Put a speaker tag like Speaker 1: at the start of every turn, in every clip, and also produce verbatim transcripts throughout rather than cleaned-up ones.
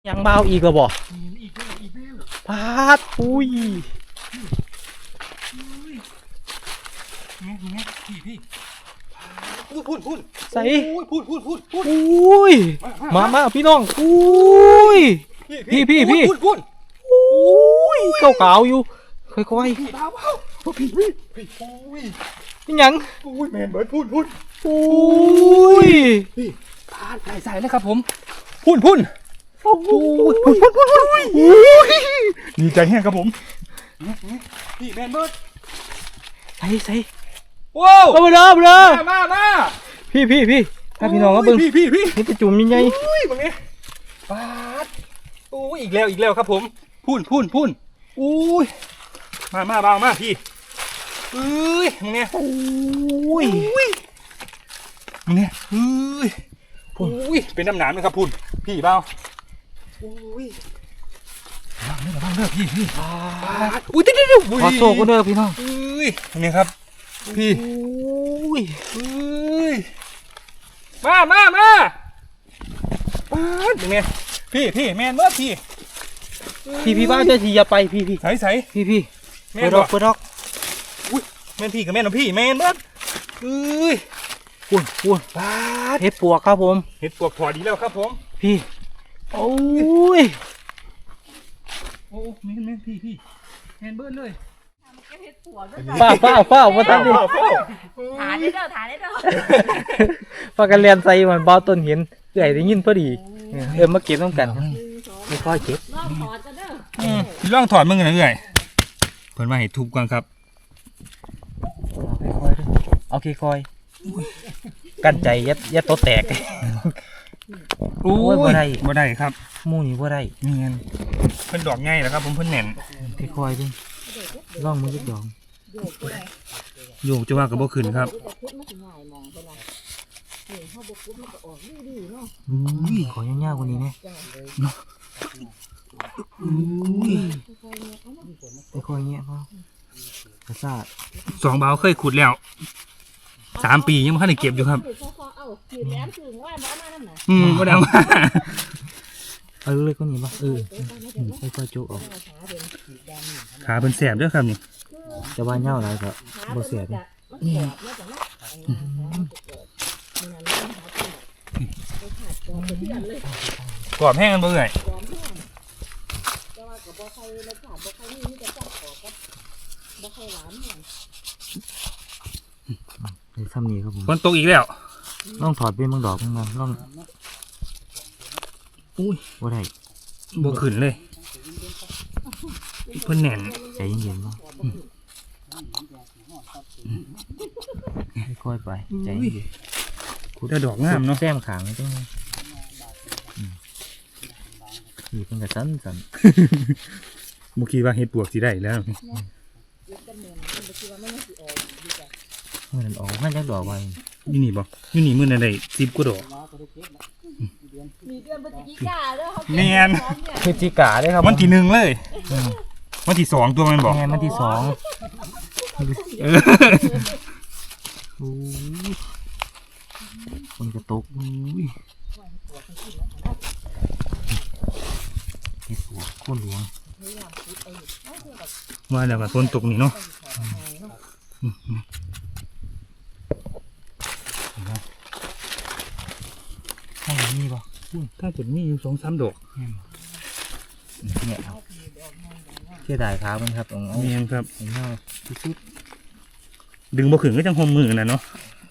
Speaker 1: ยังเบาอีกเหรอบ่
Speaker 2: อีกแล้วอีกแล้ว
Speaker 1: พาดอุ้ย
Speaker 2: นี่นี่พี่พี่พูดพูดพูด
Speaker 1: ใส่
Speaker 2: พูดพูดพูดพูด
Speaker 1: อุ้ยมามาพี่น้องอุ้ยพี่พี่พี่
Speaker 2: พูดพูด
Speaker 1: อุ้ยเก่าเก่าอยู่ค่อยๆ
Speaker 2: พี่เบาเบาพี่พี่พี่โอ้ย
Speaker 1: นี่ยัง
Speaker 2: อุ้ยแมนเบิร์ดพูดพูด
Speaker 1: อุ้ย
Speaker 2: พี่พาดใส่ใส่เลยครับผมพูดพูด
Speaker 1: โอ้ย
Speaker 2: พูดพูดพูดพูดดีใจแห้งครับผมพี่แมนเบิร์ด
Speaker 1: ใส่ใส่
Speaker 2: ว้าว
Speaker 1: เอาไปเลยเอาไปเลย
Speaker 2: มามา
Speaker 1: พี่พี่พี่ถ้าพี่น้องก็เบิ่ง
Speaker 2: พี่พี่พี่
Speaker 1: นี่จะจุ่มยังไง
Speaker 2: อุ้ยมึงเนี่ยปาดโอ้ยอีกแล้วอีกแล้วครับผมพูนพูนพูนอุ้ยมามาเบามาพี่เอ้ยมึงเนี่ย
Speaker 1: อุ้ย
Speaker 2: มึงเนี่ยเอ้ยอุ้ยเป็นน้ำหนามนะครับพูนพี่เบาอุ้ยบ้างเด้อบ้างเด้อพี่พี่อุ้ยเดี๋ยวเดี๋ยว
Speaker 1: ขอโซ่ก็เด้อพี่น้อง
Speaker 2: อุ้ยมึงเนี่ยครับพี่
Speaker 1: อุ้ย
Speaker 2: อุ้ยมามามาปาดมึงเนี่ยพี่พี่แมนเมื่อพี่
Speaker 1: พี่พี่บ้าจะทีอย่าไปพี่พี่
Speaker 2: ใส่ใส่
Speaker 1: พี่พี่เปิดดอกเปิดดอก
Speaker 2: อุ้ยแมนพี่กับแมนของพี่แมนเมื่อเอ้ย
Speaker 1: อ้วนอ้วน
Speaker 2: ปาด
Speaker 1: เห็ดปวกครับผม
Speaker 2: เห็ดปวกพอดีแล้วครับผม
Speaker 1: พี่โอ้ย
Speaker 2: โอ้แมนแมนพี่พี่แมนเบิร์ดเลย
Speaker 1: ฝ้าฝ้าฝ้ามาตั้งดิ
Speaker 3: ฐานได้เด้อฐานได้เด้อ
Speaker 1: พากันเรียนใส่มันบ้าต้นเห็นเอื่อยได้ยินพอดีเออมาเก็บต้องกันไม่ค่อยเก็บ
Speaker 3: ลองถอดกันเด้อ
Speaker 2: ลองถอดมึงนะเอื่อยเพิ่นมาเห็ดทุบกันครับ
Speaker 1: เอาค่อยๆกันใจยัดยัดโตแตก
Speaker 2: โอ้ยบ่ได้บ่ได้ครับ
Speaker 1: มู่นี่บ่ได้
Speaker 2: เงี้ยเพิ่นดอกง่ายแล้วครับผมเพิ่นแน่น
Speaker 1: ค่อยๆดิล่องมือยึดดอง
Speaker 2: โยกจะว่ากับบ่ขึ้นครับ
Speaker 1: ขอยากๆกว่านี้ไหมค่อยๆเงี้ยพ่อกระซ่า
Speaker 2: สองเบาเคยขุดแล้วสามปียังไม่ทันได้เก็บอยู่ครับอืมก็ดังมาก
Speaker 1: เออเลยก็นี่ป่ะเออค่อยๆจุกออก
Speaker 2: ขาเป็นแสบด้วยครับนี่
Speaker 1: จะว่าเน่าอะไรก็บ่เสียด
Speaker 2: กรอบแห้งกันเบื่อ
Speaker 1: ในซ้ำนี้ครับผม
Speaker 2: ฝนตกอีกแล้ว
Speaker 1: ล่องถอดเป็นบางดอกบางล่อง
Speaker 2: อุ้ย
Speaker 1: ว่าได้
Speaker 2: บ่ขึ้นเลยเพิ่นแน่น
Speaker 1: ใจเย็นๆเนาะค่อยๆไปใจเย็น
Speaker 2: คุณได้ดอกงามเนาะ
Speaker 1: แซมขางไม่ต้องนี่เป็นกระสันสัน
Speaker 2: เมื่อกี้ว่าเห็ดปวกสิได้แล้ว
Speaker 1: มันออกมันจะดอกไว้
Speaker 2: ยี่นี่บ่ยี่นี่มือในใดสิบกว่าดอก
Speaker 3: มีเดือนพฤศจิกาด้วยครับ
Speaker 2: แมน
Speaker 1: พฤศจิกาได้ครับ
Speaker 2: วันที่หนึ่งเลยวันที่สองตัวมันบอก
Speaker 1: แมนวันที่สองคนกระตุกเห็ดหัวโค่นหลวง
Speaker 2: ว่าแล้วก็ต้นตกนี่เนาะ
Speaker 1: ถ้าอย่างนี้ป่ะ
Speaker 2: ถ้าจุดนี้อยู่สองสามดอก
Speaker 1: เนี่ยเชื่อได้ครับมันครับตรง
Speaker 2: นี้ครับ
Speaker 1: ชุด
Speaker 2: ดึงบ่ขึงก็จังหอมมือนะเนาะ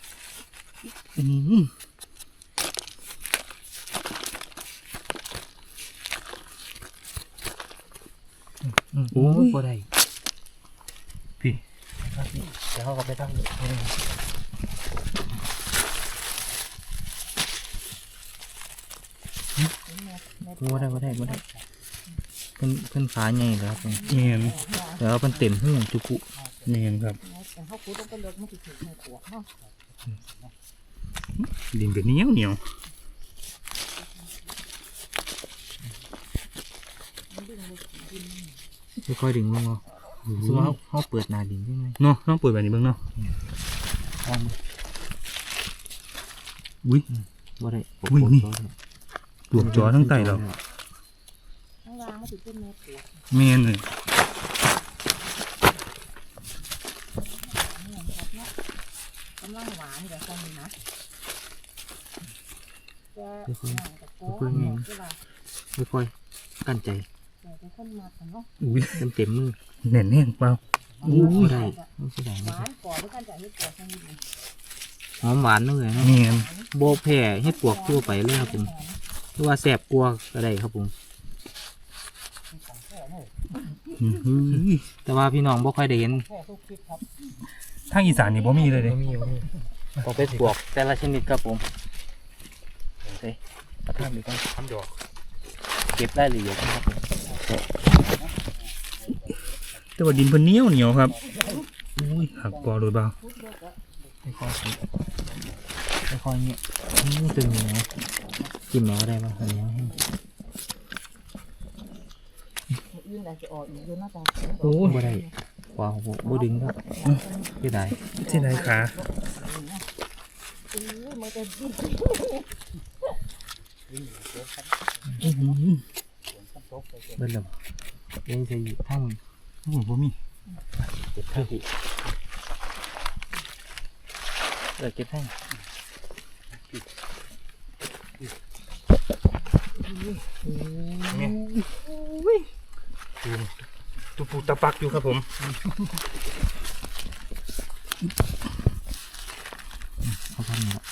Speaker 1: โอ้ยบ่ได้
Speaker 2: พี่
Speaker 1: เดี๋ยวเขาก็ไปตั้งบ่ได้บ่ได้บ่ได้เพิ่นเพิ่นฟ้าใหญ่แล้วครับ
Speaker 2: เนียน
Speaker 1: แล้วเพิ่นเต็มหูจุกุ
Speaker 2: เนียนครับดินเป็นเหนียวเหนียว
Speaker 1: ค่อยๆดึงลงเนาะสมมติเขาเขาเปิดหน้าดินใช่ไหม
Speaker 2: เนาะต้องเปิดแบบนี้บ้างเนาะอุ้ย
Speaker 1: ว่าได้
Speaker 2: อุ้ยนี่ปลวกจอทั้งไตเรา
Speaker 3: างมาถึงต้นแม่ปวด
Speaker 2: เมนเลย
Speaker 3: นี่ครับเนาะกำลังหวานเดี๋ยวคนนี้นะจะหนังตะโก้เนี่ยใช่ป่ะ
Speaker 1: ไม่ค่อยกั้นใจ
Speaker 3: เดี๋ยวจะคนมาแต่เนาะ
Speaker 2: อุ้ย
Speaker 1: เต็มเต็มมือ
Speaker 2: แน่นแน่นเปล่า
Speaker 1: อู้ไม่ได้ไม่ใช่ได้
Speaker 3: หวานก่อนด้วยกันจะให้ปวดสักนิดนึง
Speaker 1: หอมหวานเลยเนาะ
Speaker 2: เมน
Speaker 1: โบแผ่ให้ปวกทั่วไปเลยครับผมหรือว่าแสบกลัวก็ได้ครับผม
Speaker 2: อื้อหือ
Speaker 1: แต่ว่าพี่น้องบ่ค่อยได้เห็น
Speaker 2: ทางอีสานนี่บ่มีเลยเด้
Speaker 1: มีมีต้องเป็นปวกแต่ละชนิดครับผมเฮ้ยเอาทำดีก่อน
Speaker 2: ทำดอก
Speaker 1: เก็บได้ละเอียดนะครับผม
Speaker 2: แต่ว่าดินเพิ่นเหนียวเหนียวครับอุ้ยหักปอโดยเบา
Speaker 1: ค่อยๆคิดค่อยๆเงี้ยนี่ตึงเหนียวจิ้มแมวได้ป่ะอันนี้
Speaker 3: ยื่นอะไรจะออกอีกเยอะน่าจะ
Speaker 1: โอ้บ่ได้ว้าวบ่บ่ดึงครับไม่ได้
Speaker 2: ที่ไหนขา
Speaker 3: อุ้ยมันจะดิ้น
Speaker 2: อื้อหือ
Speaker 1: เบิ่นแล้วยังสิทั้ง
Speaker 2: โอ้โหบ่มี
Speaker 1: เก็บทั้งที่เออเก็บทั้ง
Speaker 2: เนี่ยดูตุปูตะปักอยู่ครับผม
Speaker 1: เขาทำนี่ละ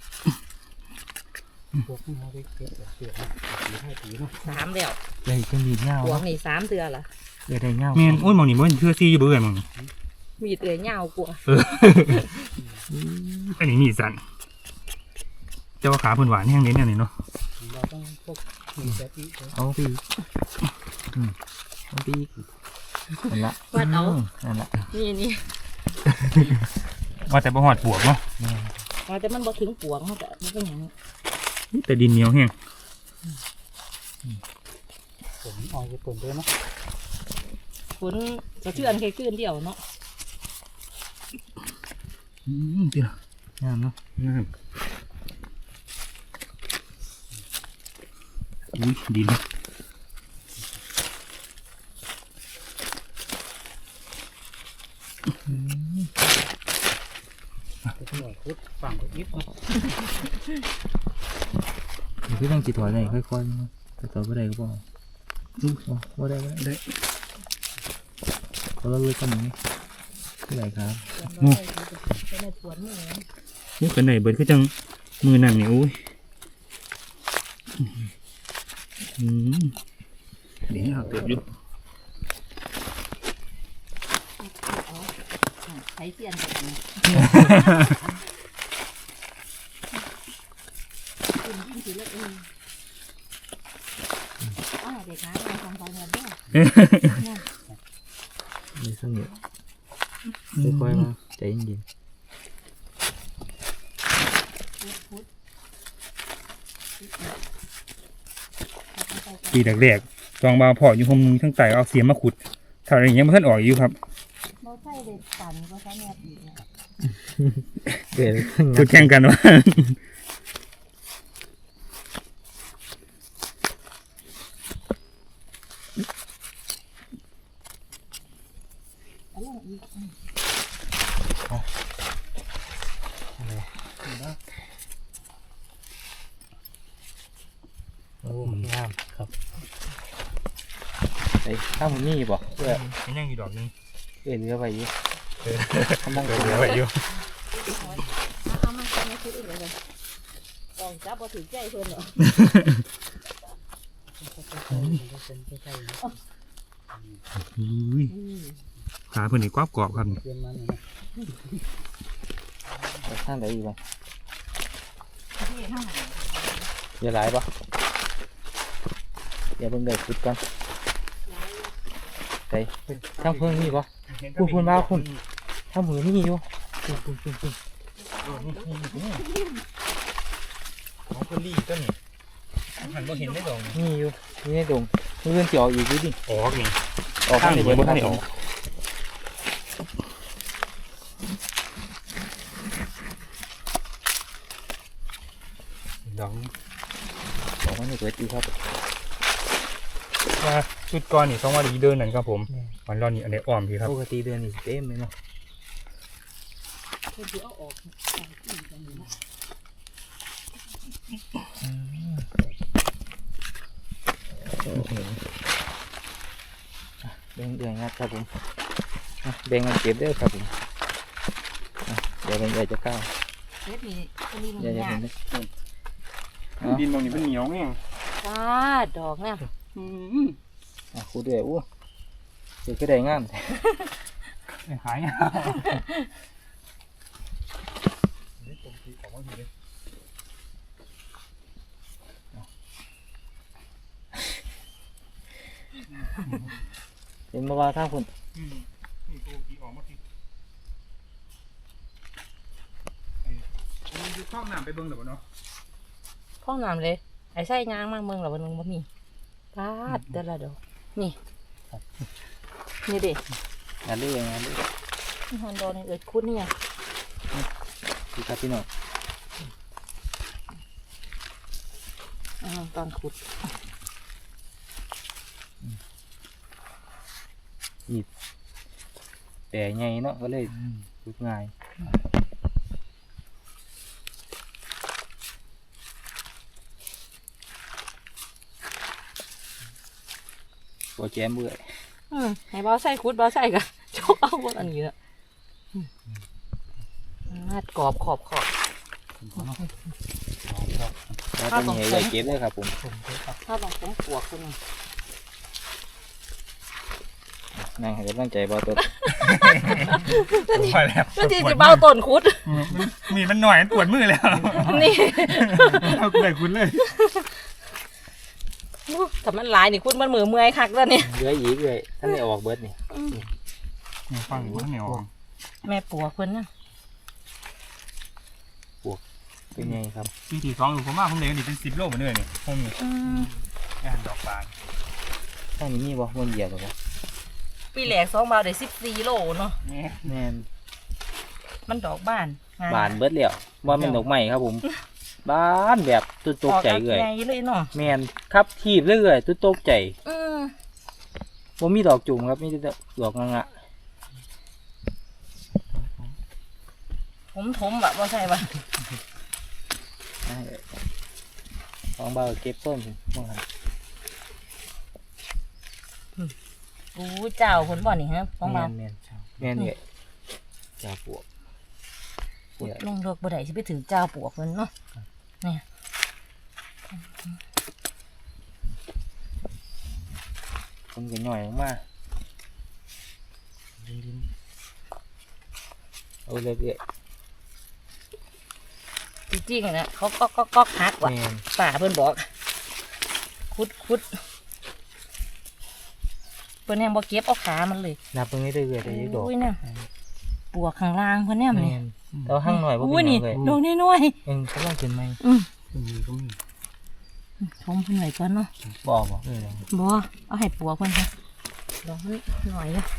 Speaker 3: สามเดียว
Speaker 1: ได้เครื่องดีดเงา
Speaker 3: หัวนี่สามเดือนละ
Speaker 1: ได้ได้เงา
Speaker 2: เมนโอ้ยหมองนี่บ่เห็นเทื่อซี่อยู่เบื่อหมองนี่
Speaker 3: มีดเอ๋ยเงากลัว
Speaker 2: เอออันนี้มีสันเจ้าขาเพิ่นหวานแห้งเน้นอันนี้เนาะ
Speaker 1: เอาปีกอืมเอาปีกนั่นละ
Speaker 3: วัดเอา
Speaker 1: นั่นละ
Speaker 3: นี่นี่
Speaker 2: ว่าแต่บ่หอดปวกเนาะ
Speaker 3: ว่าแต่มันบ่ถึงปวงเขาแต่มันเป็นอย่างนี้
Speaker 2: แต่ดินเหนียวแห้ง
Speaker 3: ฝนจะเชื่อนแค่คืนเดียวเนาะ
Speaker 2: อืมติล่ะ
Speaker 1: งามเนาะ
Speaker 2: งามอุ้ยดินฝั่งก็อิบเนาะ
Speaker 1: นี่คือต้องจิตถอยเลยค่อยๆนะแต่ต่อไปได้ก็บอกอือว่าได้ว่าได้
Speaker 2: ได้
Speaker 1: เขาเลิกกันอย่างนี้ที่ไหนครับ
Speaker 3: โอ้เป็นในสวนนี่นะ
Speaker 2: นี่กันไหนเบิดคือจังมือนั่งนี่อุ้ยอืมเดี๋ยวหักเติบอยู่
Speaker 3: ใช้เทียนแบบนี้คุณยิ่งถือเลยเองอ๋อเด็กนะมาทำไฟเงินด้วย
Speaker 1: มีสงบค่อยๆมาใจเย็น
Speaker 2: ปีแรกๆจองบาวพออยู่คมทั้งไตเอาเสียมมาขุดถ้าอะไรอย่างเงี้ยมันท่านออกอยู่ครับ
Speaker 3: เราใช้เด็กปั่นก็ใช้แนบอีกนะ
Speaker 1: เกิด
Speaker 2: ขุดแข่งกันว่า
Speaker 3: แล้วอีก
Speaker 1: โอ้งามครับไอ้ข้าวมันนี่บอกเพื่อ
Speaker 2: มันยังอยู่ดอกนึง
Speaker 1: เอ็นเรือไปอยู่กำลัง
Speaker 2: เหลือไว้อยู่
Speaker 3: เอามาทำให้คืออื่นเลยกองจับพอถือใจเพื่อนเหรอ
Speaker 2: อุ้ยขาเพิ่นนี่กรอบกรอบครับนี่
Speaker 1: ข้างไหนอยู่บ้างอย่าหลายปะอย่าเพิ่งได้ขุดก่อนไปข้างเพิ่งนี่ปะ คุณคุณบ้าคุณ ถ้ามือนี่อยู่คุณคุณคุณคุณ
Speaker 2: ของคนรีต้นนี่หันบ่เห็นได้ดอกนี่
Speaker 1: นี่อยู่นี่ในดงนี่เรื่องเจียวอีกดูดิ
Speaker 2: ออกนี่
Speaker 1: ออก
Speaker 2: ข้างนี้
Speaker 1: เบิ
Speaker 2: บ่ทันได้ออกดอก
Speaker 1: ออกมาในเปิดอีกครับ
Speaker 2: ว่าชุดก่อนนี่สองวันนี้เดินนั่นครับผมวันรอนี่อันนี้อ้อมพี่ครับ
Speaker 1: ปกติเดือนนี่เต็มเลยเนาะ
Speaker 3: เพิ่นสิเอาออกใส่ที่ตรงนี้นะ
Speaker 1: แบ่งเดือนงัดครับผมอ่ะแบ่งกันเก็บเด้อครับผมอ่ะเดี๋ยวเป็นใหญ่จะก้าว
Speaker 3: เฮ็ดนี่อันนี้มัน
Speaker 1: ใหญ่จะ
Speaker 3: ยา
Speaker 1: เห็
Speaker 3: ก
Speaker 1: นไหม
Speaker 2: ดินตรงนี้เป็นเหนียวไง
Speaker 3: จ้าดอกเนี่ย
Speaker 2: อืม
Speaker 1: อ่ะคูดด้วยอู้เดี๋ยวก็ได้งาม
Speaker 2: หายอ่ะ
Speaker 1: เห็นมาว่าทางคุณ
Speaker 2: อืมนี่ตัวกี่ออกมาทีดูข้าวหนามไปเบิ่งหรือเปล่าเนาะ
Speaker 3: ห้องน้ำเลยไอ้ไส้ยางมากเมืองเหรอวันนึงบ่มีปาดเดี๋ยวละดอกนี่นี่เด็
Speaker 1: งานเรื่องงานเรื่อง
Speaker 3: นี่ฮอนดอนี่เอิดคุดนี่ยัง
Speaker 1: ดีครับพี่น้อง
Speaker 3: อ่าตอนขุด
Speaker 1: แต่ไงเนาะก็เลยรุดง่ายตัวแจมเบื่อ
Speaker 3: อืมให้เบาไส้ขุดเบาไส้กะโชกเอาบนอันนี้ละอืมงัดกรอบขอบขอบ
Speaker 1: แล้วเป็นเหตุใหญ่เก็บเลยครับผม
Speaker 3: ถ้าลองผมปวกคนนึง
Speaker 1: นั่งให้กำลังใจเบาตัว
Speaker 2: ไปแล้ว
Speaker 3: ก็จริงจะเบาต้นขุด
Speaker 2: มีมันหน่อยมันปวดมือแล้ว
Speaker 3: นี่
Speaker 2: เอาไปคุณเลย
Speaker 3: ถ้ามันหลายนี่คุณมันมือเมื่อยคักแล้วเนี่ย
Speaker 1: เหลืออีกเลยท่านได้ออกเบิร์ดนี่
Speaker 2: ฟังว่าเหนียว
Speaker 3: แม่ปวกเพิ่นนะ
Speaker 1: เป็นไงครับ
Speaker 2: ปีที่สองอยู่ผมว่าผมเลยนี่เป็นสิบโลเหมือนเดิมนี่ผมมี
Speaker 3: อืม
Speaker 2: งานดอกบาน
Speaker 1: ท่านนี้มีบ่มันเหยียบหรอบ่
Speaker 3: ปีแหลกสองบาทได้สิบสี่โลเนาะ
Speaker 2: นี่
Speaker 1: แม่น
Speaker 3: มันดอกบ้านง
Speaker 1: บานเบิร์ดแล้วว่าเป็นดอกไม้ครับผมบานแบบตุ้ตกใจเลย
Speaker 3: ออกดอกใหญ่เลยเนาะ
Speaker 1: แม่นครับทีบเรื่อยๆตุ้ตกใจ
Speaker 3: อืม
Speaker 1: ว่ามีดอกจุ่มครับมีแต่ดอกงะ
Speaker 3: ผมถมแบบว่าใช่ปะ
Speaker 1: ของเบาเก็บต้นมองหัน
Speaker 3: อู้เจ้าคนบ่อนี่ฮะของ
Speaker 1: แม่
Speaker 3: เรา
Speaker 1: นแม่นแม่นเนี่ยจ่าปวกเนี่ย
Speaker 3: ลงดอกบ่ได้สิไปถึงเจ้าปวกมันเนาะ
Speaker 1: คนก็หน่อยออกมาเอาเลยเรื่อย
Speaker 3: จริงๆนะเขาก็ก็ก็ฮัก
Speaker 1: ๆ
Speaker 3: ว่ะ
Speaker 1: แม่น
Speaker 3: ป่าเพิ่นบอก คุดคุดเพิ่นยังบ่เก็บเอาขามันเลย
Speaker 1: นับตรงนี้เรื่อยๆได้ยักดอก
Speaker 3: อุ้ยเนี่ยปวกข้างล่างเพิ่นเนี่ยมัน
Speaker 1: แม่
Speaker 3: นี่
Speaker 1: นแต่ว่าห้างหน่อยบ่
Speaker 3: อุ้
Speaker 1: เป็
Speaker 3: ย
Speaker 1: นห
Speaker 3: นี่
Speaker 1: ยังเลย
Speaker 3: ดอกน้อย
Speaker 1: เองกำลังขึ้นไหม
Speaker 3: ๆอืม
Speaker 2: มีก็มี
Speaker 3: ชมเพิ่นไว้ก่อนเนาะ
Speaker 1: บอกบ่เออ
Speaker 3: บ่เอาให้ปวกเพิ่นค่ะดอกมันหน่อยเลย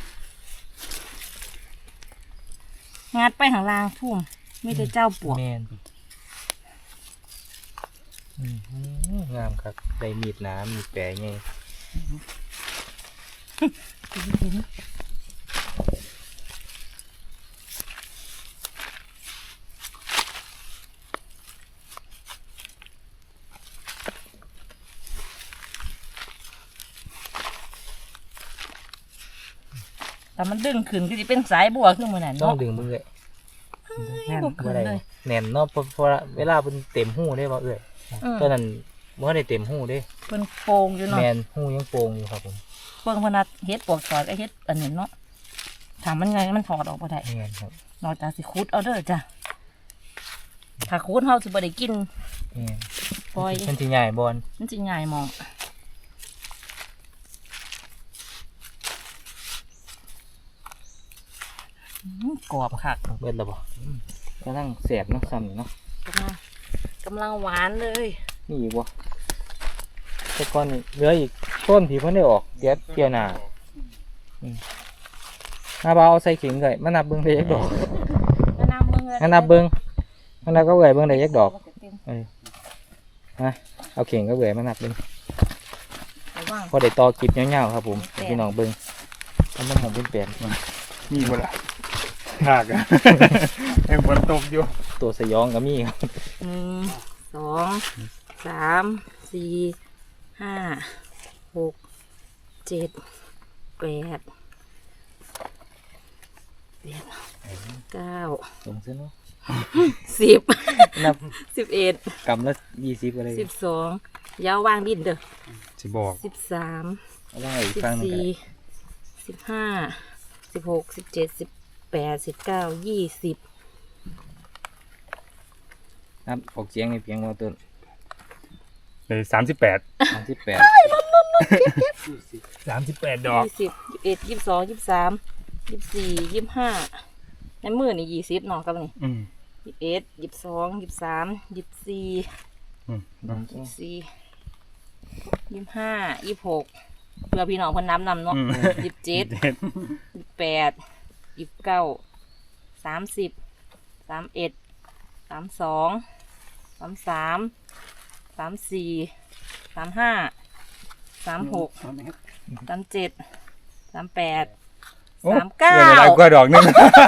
Speaker 3: งัดไปข้างล่างทุ่มมีแต่เจ้าปวก
Speaker 1: แม่นอืมงามครับได้มีดหนามีดแปรไง
Speaker 3: แต่มันดึงขึ้นก็จะเป็นสายบัวขึ้นมาหน่อย
Speaker 1: ต้อง
Speaker 3: เนาะ
Speaker 1: ดึงมือเลยแน่น
Speaker 3: บ่ขึ้
Speaker 1: บ่
Speaker 3: น
Speaker 1: ได้
Speaker 3: เลย
Speaker 1: แน่นเนาะเพราะเพราะเวลาเป็นเต็มหูได้บ่เอ้ย
Speaker 3: อืม
Speaker 1: ตอนนั้นบ่ได้เต็มหูเด้
Speaker 3: เป็นโป่งอยู่เนาะ
Speaker 1: แมนหูยังโป่งอยู่ครับผม
Speaker 3: เบิ่งพนัดเฮ็ดปวกถอดไอ้เฮ็ดอันนี้เนาะถามมันไงมันถอดออกบ่ได้
Speaker 1: แมนครับ
Speaker 3: นอกจากสิคุดเอาเด้อจ้ะถ้าคุดเฮาสิบ่ได้กิน
Speaker 1: แมน
Speaker 3: ปล่อย
Speaker 1: มันสิใหญ่บอล
Speaker 3: มันสิง่ายมองอื้อกรอบคัก
Speaker 1: เบิดแล้วบ่กำลังแสบเนาะซ้ำนี่เนาะ
Speaker 3: กำลังกำลังหวานเลย
Speaker 1: นี่อีกบ่แต่ก่อนนี่เหลืออีกต้นที่เพิ่นได้ออกเดี๋ยวเกี่ยวหน้าหน้าบ่าวเอาใส่เข็งเลยมานับเบิ่งได้ยักดอก
Speaker 3: ก็น้ำมึง
Speaker 1: มานับเบิ่งมานับก็เอ่ยเบิ่งได้ยักดอกเออฮะเอาเข็งก็เอ่ยมานับเบิ่ง
Speaker 3: แต่ว่าว่าง
Speaker 1: พอได้ต่อคลิปยาวๆครับผมให้พี่น้องเบิ่งทำมันหอมเป็นแปลน
Speaker 2: มีบ่ล่ะหากอะยังฝนตกอยู่
Speaker 1: ตัวสยองก็มีครับ
Speaker 3: หนึ่งสองสามสี่ห้าหกเจ็ดแปดแปดเก้า
Speaker 1: ลงซะเนาะ
Speaker 3: สิบ
Speaker 1: นับ
Speaker 3: สิบเอ็ด
Speaker 1: กำละยี่สิบอะไร
Speaker 3: สิบสองยาววางดินเด้อ
Speaker 2: สิบอก
Speaker 3: สิบสาม
Speaker 1: เอาไว้อีก
Speaker 3: สิบ
Speaker 1: ฟังหนึง
Speaker 3: สี่
Speaker 1: ก็ได้
Speaker 3: สิบห้าสิบหกสิบเจ็ดสิบแปดสิบเก้ายี่สิบ
Speaker 1: นับออกเสียงในเพียงว่าต้น
Speaker 2: เลยสามสิบแปด
Speaker 1: สามสิบแปด
Speaker 2: สามสิบแปดดอก
Speaker 3: ยี่สิบยี่สิบเอ็ดยี่สิบสองยี่สิบสามยี่สิบสี่ยี่สิบห้าในมือนี่ยี่สิบเนาะกับนี่
Speaker 2: อืม
Speaker 3: ยี่สิบเอ็ดยี่สิบสองยี่สิบสามยี่สิบสี่
Speaker 2: อืม
Speaker 3: ยี่สิบสี่ยี่สิบห้ายี่สิบหกเพื่อพี่น้องเพิ่นน้ำนำเนาะ
Speaker 2: อืม
Speaker 3: ยี่สิบเจ็ด
Speaker 2: เจ็ด
Speaker 3: ยี่สิบแปดยี่สิบเก้าสามสิบสามเอ็ดสามสองสามสามสามสี่สามห้าสามหกสามเจ็ดสามแปด
Speaker 2: โอ้
Speaker 3: สามเก้า
Speaker 2: เหลืออะไรกว่าดอกหนึง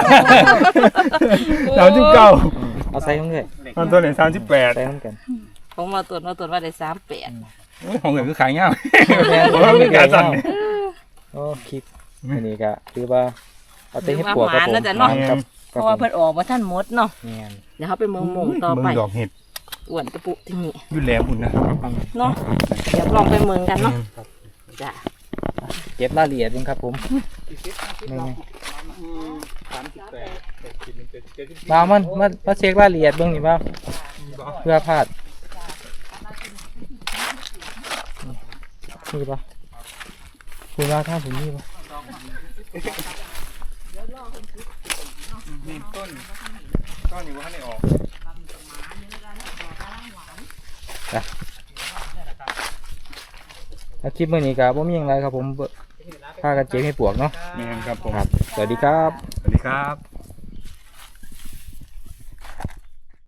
Speaker 2: สามสิบเก้า
Speaker 1: เอาใส่ของเลย
Speaker 2: ตอนต้นเลยสามสิบแปด
Speaker 1: ใส่ของกัน
Speaker 3: ผมมาตรวจมาตรวจว่าได้สามแปด
Speaker 2: ของเหลือคือขายเงา
Speaker 1: แม่น
Speaker 2: ผมว่าเป็นการสั่น
Speaker 1: โอ้คลิปอันนี้ก็คือว่าเอาเต้ให้
Speaker 3: ว่า
Speaker 1: ปวก
Speaker 3: ห
Speaker 1: ครับ
Speaker 3: มาน
Speaker 1: ผม
Speaker 3: น่าจะเนาะ
Speaker 1: ครับ
Speaker 3: เพราะว่าเพิ่นออกมาท่านหมดเนาะ
Speaker 1: แม่น
Speaker 3: เดี๋ยวเขาไปเมืองมงต่อ
Speaker 2: เมื
Speaker 3: ไป
Speaker 2: องดอกเห็ด
Speaker 3: อ้วนกระปุกที่นี่
Speaker 2: อยุ่แหลมอุ่นนะ
Speaker 3: เนาะเดี๋ยวลองไปเมืองกันเนาะจ้ะ
Speaker 1: เก็บรายละเอียดเองครับผมนี่
Speaker 2: สามสิบแปด
Speaker 1: ๆมามันมามาเช็ครายละเอียดเบิ่งนี่บ่าวเพื่อพลาดนี่ป่ะคุณว่าข้างผมนี่ป่ะ
Speaker 2: นี่ต้นต้นอยู่ว่าให้ออก
Speaker 1: แล้วคลิปมื้อนี้ก็บ่มีหยังไรครับผมเบิ่งพากันเก็บให้ปวกเนาะ
Speaker 2: นี่ครับผม
Speaker 1: ครับ สวัสดีครับ
Speaker 2: สวัสดีครับ